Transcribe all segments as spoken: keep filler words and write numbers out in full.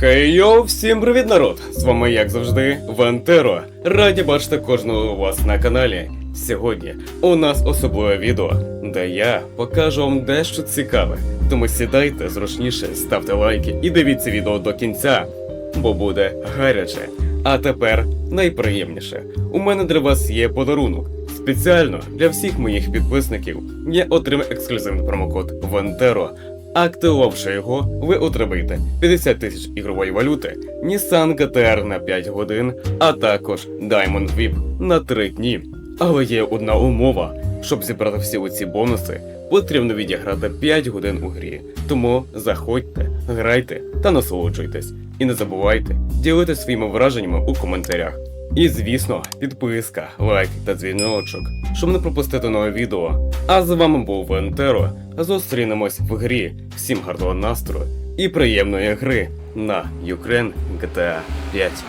Хей йоу, всім привіт, народ! З вами, як завжди, Вентеро. Раді бачити кожного у вас на каналі. Сьогодні у нас особливе відео, де я покажу вам дещо цікаве. Тому сідайте зручніше, ставте лайки і дивіться відео до кінця, бо буде гаряче. А тепер найприємніше. У мене для вас є подарунок. Спеціально для всіх моїх підписників я отримав ексклюзивний промокод Вентеро. Активувавши його, ви отримаєте п'ятдесят тисяч ігрової валюти, Nissan джі ті ар на п'ять годин, а також Diamond віп на три дні. Але є одна умова. Щоб зібрати всі оці бонуси, потрібно відіграти п'ять годин у грі. Тому заходьте, грайте та насолоджуйтесь. І не забувайте ділитися своїми враженнями у коментарях. І звісно, підписка, лайк та дзвіночок, щоб не пропустити нове відео. А з вами був Вентеро. Зустрінемось в грі. Всім гарного настрою і приємної гри на Ukraine джі ті ар п'ять.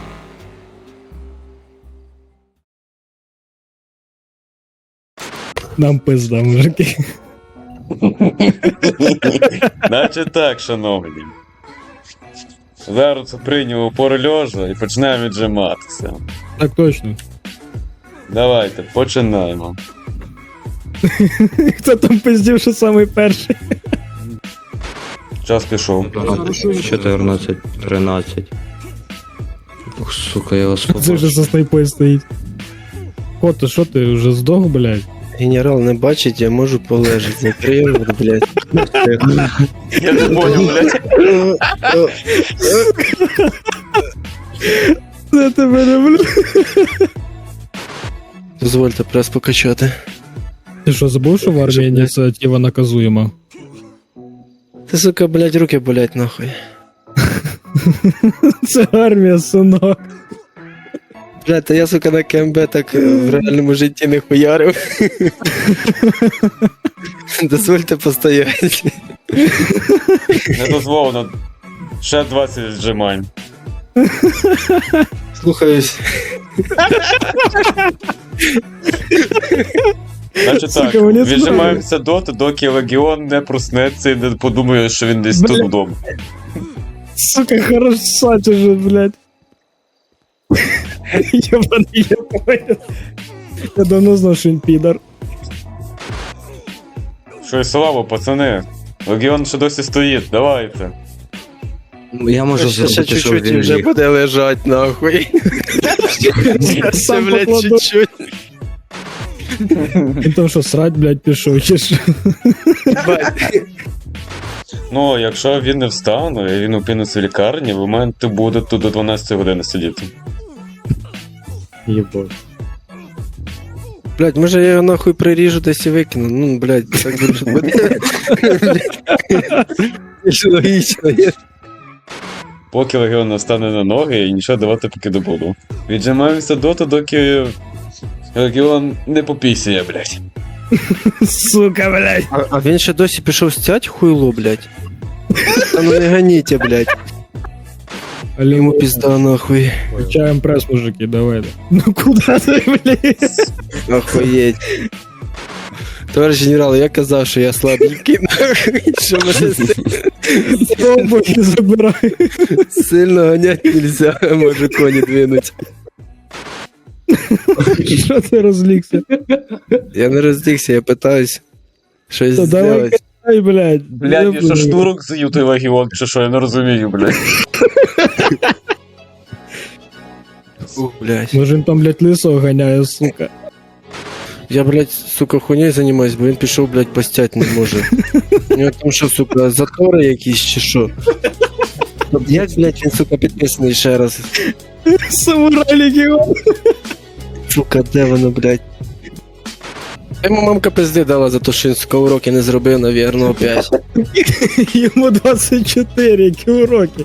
Нам пизда, мужики. Наче так, шановні. Зараз прийняв пору льожа і починаємо віджиматися. Так точно. Давайте, починаємо. Хто там пиздів, що самий перший? Час пішов. чотирнадцять, тринадцять. Ох, сука, я вас Це побачив. вже за снайпою стоїть. Кото, що ти вже здох, блядь? Генерал не бачить, я можу полежати. Закрию рот, блядь. Я не понял, блядь. Це тебе люблю. Дозвольте прес покачати. Ти що, забув, що в армії ініціатива наказуєма? Ти, сука, блядь, руки болять нахуй. Це армія, синок. Блядь, та я, сука, на КМБ так в реальному житті не хуярив. Дозвольте постояти. Не дозволено. Ще двадцять віджимань. Слухаюсь. Значить так, Сука, мені віджимаємося доти, доки легіон не проснеться і не подумає, що він десь тут Блядь. вдома. Сука, хорошать уже, блядь. Ебаный японец. Я давно знав, що він підар. Що й слава, пацани. Легіон ще досі стоїть, давайте. Я можу Ще, ще зробити, щоб чуть-чуть і він вже ліг. буде лежать, нахуй. Ще, Сам блядь, покладу. чуть-чуть. Він там що, срать, блядь, пішов, чи що? Бать. Ну, якщо він не встане і він опиниться в лікарні, ви маєте буде тут до дванадцятої години сидіти. Єбать. Блядь, може я його нахуй приріжу десь і викину. Ну, блядь, так більше буде. Більш логічно, є. Поки легіон не встане на ноги і нічого давати поки не буду. Віджимаємося доти, доки легіон не попісяє, блядь. Сука, блядь. А, а він ще досі пішов стять хуйло, блядь. Та ну не ганіте, блядь. Але Йому пізда нахуй. Включаем пресс, мужики, давай. Ну куда ты, блядь? Охуєть. Товариш генерал, я казав, що я слабенький, нахуй. Що мене Пробуй, не забирай. сильно ганять нельзя, може коні двинуть. Що ти розлігся? Я не роздігся, я питаюсь щось Та давай зробити. кай, блядь. Блядь, я що штурок з'їв той легіон, чи що, я не розумію, блядь. Ух, блядь. Може він там, блядь, лисого ганяє, сука. Я, блядь, сука, хуйнею займаюсь, бо він пішов, блядь, постять не може. У нього там що, сука, затори якісь чи що? Ну, Як, блядь, він, сука, підписаний ще раз? Самурай легіон. Сука, де воно, блядь? Йому мамка пизди дала за те, що він, сука, уроки не зробив, навірно, опять. Йому двадцять чотири, які уроки.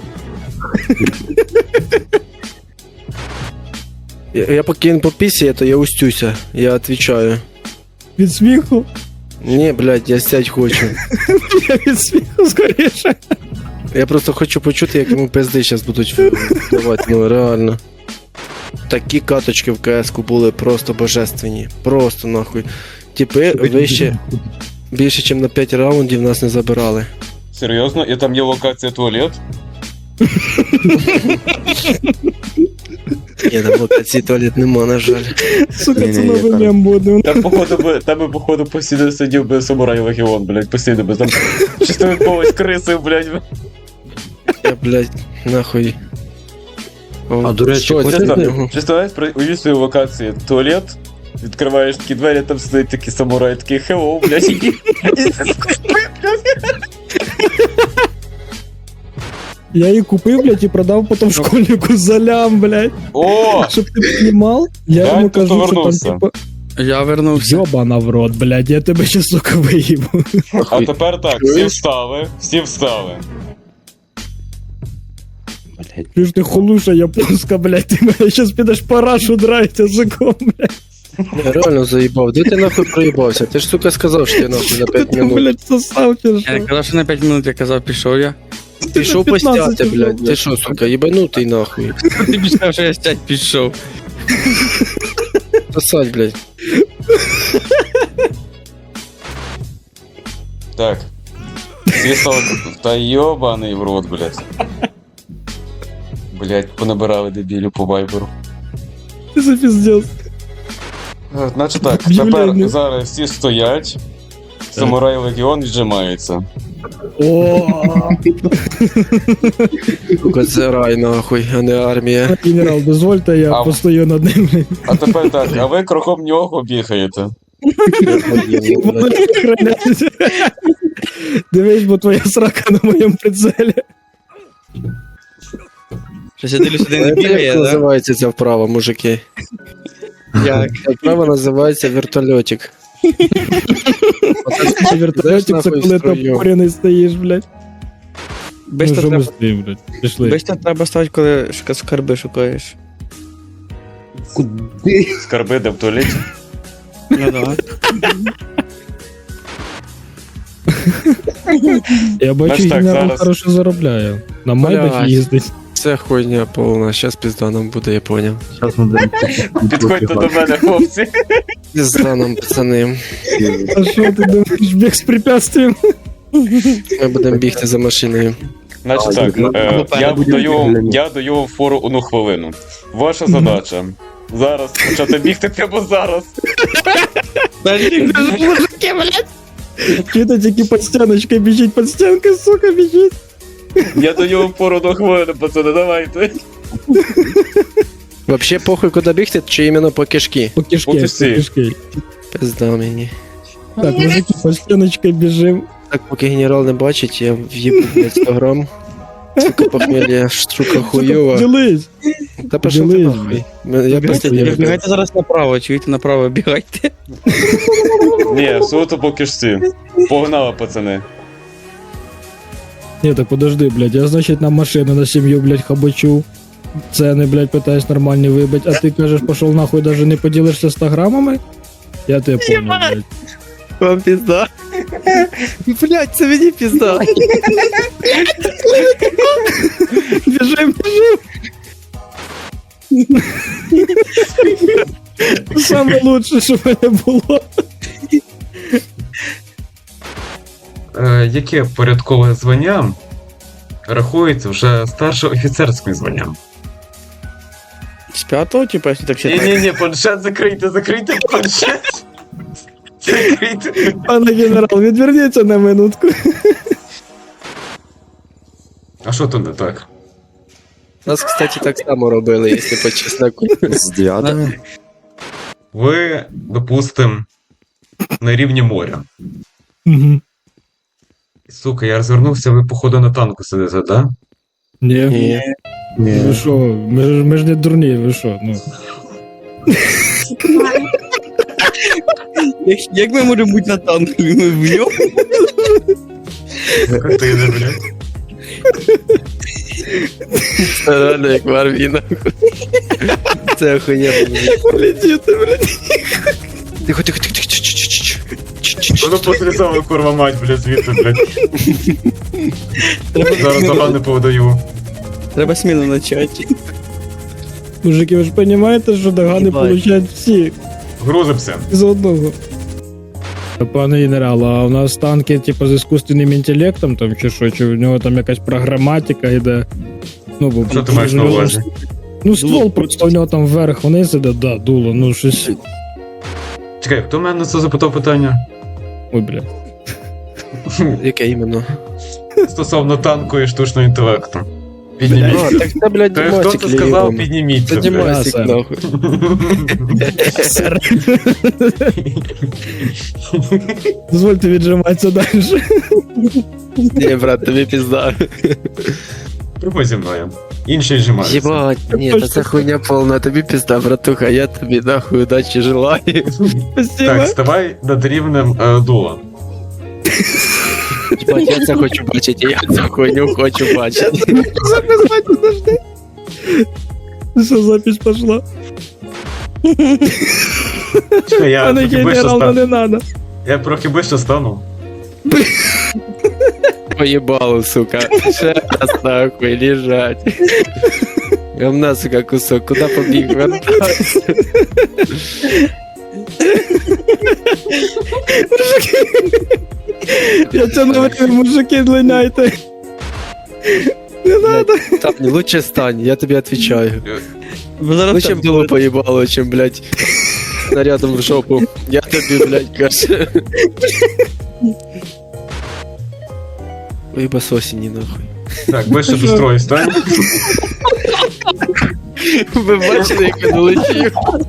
Я, я поки він попісяє, то я устюся, я отвечаю. Від сміху? Ні, блядь, я сядь хочу. Я від сміху скоріше. Я просто хочу почути, як йому пизди зараз будуть давати, ну реально. Такі каточки в КС-ку були просто божественні. Просто нахуй. Типи вище, більше, ніж на п'ять раундів нас не забирали. Серйозно? І там є локація туалет? Ні, там локації туалет нема, на жаль. Сука, це Ні-ні-ні, новий там- мем буде. Там, походу, би, там би, походу, постійно сидів би самурай Легіон, блядь, постійно би там чисто якогось криси, блядь. Я, блядь, нахуй. О, А, до речі, що це хочете- за нього? Представляєш, при уявіть свою локацію, туалет, відкриваєш такі двері, там сидить такий самурай, такий хеллоу, блядь, і... Я її купив, блядь, і продав потім школьнику за лям, блядь. О! Щоб ти понімав, я Я йому тут кажу, що там, повернувся. типа, Я вернувся. йобана в рот, блядь, я тебе ще, сука, виїбу. А тепер так, всі встали, всі встали. Блядь. Ти ж ти холуша японська, блядь, ти мене щас підеш парашу драть язиком, блядь. Я реально заїбав. Де ти нахуй проїбався? Ти ж, сука, сказав, що я нахуй на Ти п'ять там, минут. блядь, сосав чи Я не що? казав, що на п'ять минут, я казав, пішов я. Пішов на п'ятнадцять постяти, вже, блядь. Ти блядь. що, сука, їбанутий нахуй. Ти б сказав, що я стять пішов. Сосать, блядь. Так. Всі стали... Та йобаний в рот, блядь. Блядь, понабирали дебілю по вайберу. Ти за піздець. Е, Значить так, Об'являю. тепер зараз всі стоять, самурай Легіон віджимається. О, Сука, це рай нахуй, а не армія. генерал, дозвольте, я А- постою над ним, блядь. А тепер так, а ви кроком нього бігаєте. Дивись, бо твоя срака на моєму прицелі. Щось я дивлюсь, один не Як бігає, да? називається ця вправа, мужики? Як? Ця вправа називається вертольотик. Це вертольотик, це нахуй коли ти строю. опорений стоїш, блядь. Ну, Бешта що ми треба, стоїмо, блядь? Пішли. бешта треба ставити, коли шука- скарби шукаєш. Скарби де в туалеті. Ну да. Я бачу, Знаєш, так, генерал зараз- хорошо заробляє. На майбах Блядь. їздить. Це хуйня повна, щас пізда нам буде, я поняв. Зараз ми будемо Підходьте до мене, хлопці. Пізда нам, пацани. А що ти думаєш, біг з препятствием? Ми будемо бігти за машиною. Значить А, так, ну, е, або я перед даю, я даю вам фору одну хвилину. Ваша задача зараз почати бігти прямо зараз. Чуєте, тільки під стіночкою біжить, під стінкою, сука, біжить. Я даю вам фору одну хвилину, пацани, давайте. Вообще похуй куди бігти, чи іменно по кишки? По кишки, От і по всі. кишки. Пизда мені. Так, мужики, під стіночкою біжим. Так, поки генерал не бачить, я в'їбу, блядь, сто грам. Сука, похмелья, штука хуйова. Ділись. Та пошов ти Ділись, нахуй. Ми- Я просто я- не Бігайте зараз направо, чуєте, направо бігайте. Ні, суто по кишці. Погнали, пацани. Ні, так подожди, блядь, я, значить, на машину, на сім'ю, блядь, хабачу. Ціни, блядь, питаюсь нормальні вибить, а ти кажеш, пошов нахуй, даже не поділишся ста грамами? Я тебе понял, блядь. Вам пізда. Блядь, це мені пізда. Біжим, біжим. Саме лучше, що в мене було. Е, яке порядкове звання рахується вже старшим офіцерським званням? З п'ятого, типу, якщо так Ні, считати? ні, ні, планшет закрийте, закрийте планшет. Закрийте. Пане генерал, відверніться на минутку. А що то не так? Нас, кстати, так само робили, якщо по чесноку. з дев'ятого. Ви, допустим, на рівні моря. Угу. Сука, я розвернувся, ви походу на танку сидите, да? Ні. Ні. Ви що, ми, ж- ми ж не дурні, ви що, ну. Як, як ми можемо бути на танку? Ми вб'ємо? Картини, блядь. Це реально як в армії, нахуй. Це охуєнно. Летіти, блядь. Тихо, тихо, тихо, тихо, чш-чш-чш. Воно послідомо, курва мать, блядь, звідти, блядь. Треба Зараз сміло- догани повидаю. Треба сміло почати. Мужики, ви ж розумієте, що догани Їбать. получають всі Грузимося. з одного. Пане генерал, а у нас танки, типу, з іскусственним інтелектом там чи що, чи в нього там якась програматика йде? Ну, бо Що ти маєш на увазі? Ну, ствол просто у нього там вверх вниз іде, да, дуло, ну щось. Чекай, хто мене це запитав питання? Ой, бля. Яке іменно? Стосовно танку і штучного інтелекту. Підніміть. А, так це, блядь, Та хто Дімасик це сказав, лівий. підніміться, Це блядь. Дімасик, сер. нахуй. Дозвольте віджиматися далі. Ні, брат, тобі пізда. Приходь зі мною. Інші зжимаються. Єбать, ні, та це хуйня повна, тобі пізда, братуха, я тобі нахуй удачі желаю. Так, ставай над рівнем е, дула. Єбать, я це хочу бачити, я цю хуйню хочу бачити. Записати, подожди. Що запись пошла? Чекай, я Пане трохи ближче генерал, ну стану. не надо. Я трохи ближче стану. Поїбало, сука. Ще раз нахуй лежать. Говна, сука, кусок, куди побіг? Вертайся. Я це не вирішую, мужики, длиняйте. Не надо. Там не лучше стань, я тобі отвечаю. Ви зараз Лучше так б дуло поїбало, чим, блядь, снарядом в жопу. Я тобі, блядь, кажу. Уїба сосіні, нахуй. Так, ближче до строю стань. Ви бачили, як він летів?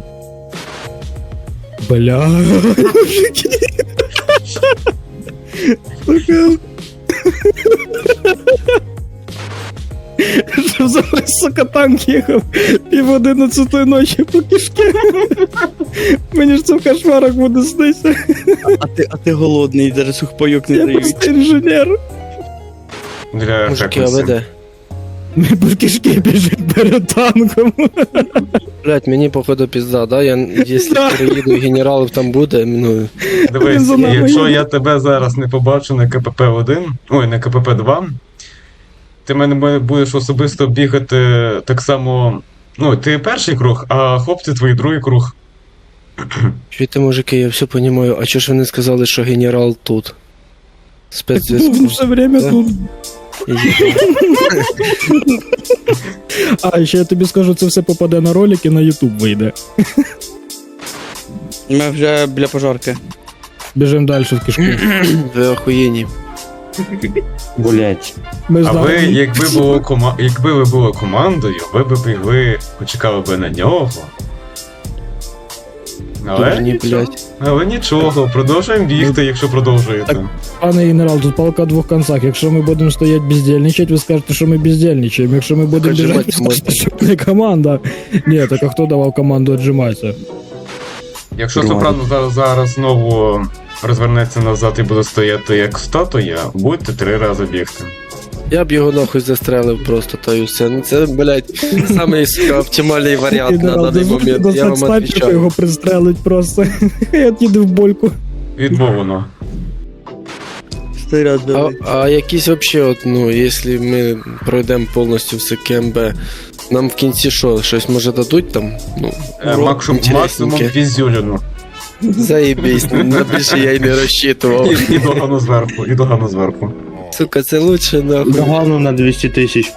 Бля, мужики. Сука. Щоб зараз, сука, танк їхав пів одинадцятої ночі по кишки. Мені ж це в кошмарах буде сниться. А ти, а ти голодний, навіть сухпайок не Я дають. просто інженер. Для Мужики, а ефектності. ви де? Ми по кишки біжить перед танком. Блядь, мені походу пізда, да? Я, якщо Да. переїду і генералів там буде, ну... Дивись, Він за нами якщо їде. я тебе зараз не побачу на КПП один, ой, на КПП два, ти мене будеш особисто бігати так само. Ну, ти перший круг, а хлопці твої другий круг. Чуєте, мужики, я все понимаю, а чого ж ви не сказали, що генерал тут? Був Спецзв'язку. він все время Да. тут. Єбать. А, ще я тобі скажу, це все попаде на ролик і на YouTube вийде. Ми вже біля пожарки. Біжимо далі в кишку. Ви охуєнні. Блять. Ми А ви, знаємо. якби було кома... якби ви були командою, ви б бігли, почекали би на нього. Але, Дурні, нічого, блядь. але нічого, продовжуємо бігти, якщо продовжуєте. Пане генерал, тут палка в двох концах. Якщо ми будемо стояти бездельничати, ви скажете, що ми бездельничаємо. Якщо ми будемо біжати, ви Отжиматися скажете, що не команда. Ні, так а хто давав команду віджиматися? Якщо Нормально. Сопрано зараз, зараз знову розвернеться назад і буде стояти як статуя, будете три рази бігти. Я б його нахуй застрелив просто, та й все. Ну це, блядь, самий, сука, оптимальний варіант на даний момент, я вам снайпера отвечаю. його пристрелить просто. Хай від'їде в больку. Відмовлено. Стой А, а якісь вообще, от, ну, якщо ми пройдемо повністю все КМБ, нам в кінці що, щось може дадуть там? Ну, Е, урок максимум, максимум інтересненьке. візюліну. Заєбісь, на більше я й не розчитував. І, і догану зверху, і догану зверху. Сука, це лучше нахуй. Догану на двісті тисяч.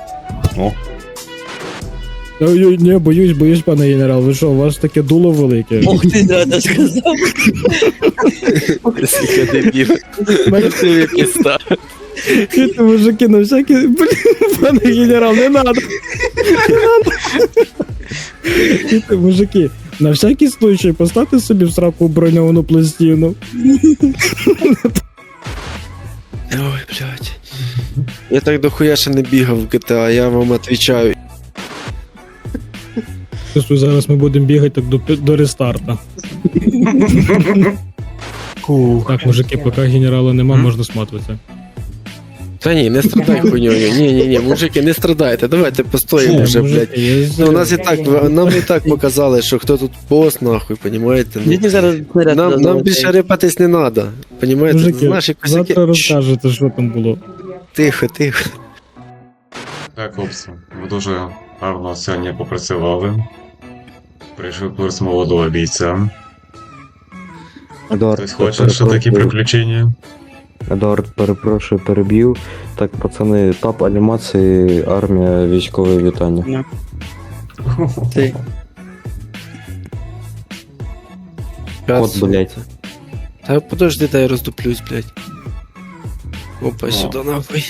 Ой, ні, боюсь, боюсь, пане генерал. Ви що, у вас таке дуло велике? Ох ти, да, сказав. Сука, дебіл. Мене Ти пізда. Чуєте, мужики, на всякий... Блін, пане генерал, не надо. Не надо. Чуєте, мужики, на всякий случай поставте собі в сраку броньовану пластину. Ой, блядь. Я так дохуя ще не бігав в джі ті ей, я вам отвечаю. Просто зараз ми будемо бігати так до, до рестарта. Так, мужики, поки генерала нема, можна сматуватися. Та ні, не страдай хуйньою. Ні, ні, ні, мужики, не страдайте, давайте постоїмо вже, блядь. я... Ну, у нас і так, нам і так показали, що хто тут бос, нахуй, понімаєте? Ну, Діти зараз снаряд нам, нам дадуть. більше рипатись не треба, понімаєте? Мужики, Наші косяки... завтра розкажете, що там було. Тихо, тихо. Так, хлопці, ви дуже гарно сьогодні попрацювали. Прийшов курс молодого бійця. Адор. Хтось хоче ще такі приключення. Едуард, перепрошую, переб'ю. Так, пацани, тап анімації, армія, військове вітання. Ти. Кот, блядь. Та подожди, дай я роздуплюсь, блядь. Опа, сюди нахуй.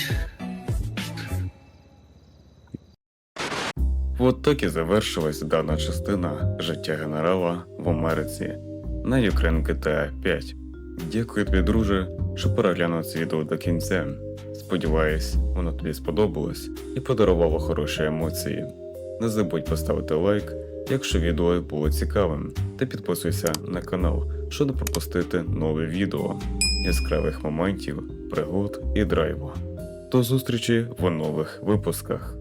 От так і завершилась дана частина життя генерала в Америці на Ukraine джі ті ей п'ять. Дякую тобі, друже, що переглянув це відео до кінця. Сподіваюсь, воно тобі сподобалось і подарувало хороші емоції. Не забудь поставити лайк, якщо відео було цікавим, та підписуйся на канал, щоб не пропустити нове відео яскравих моментів, пригод і драйву. До зустрічі в нових випусках.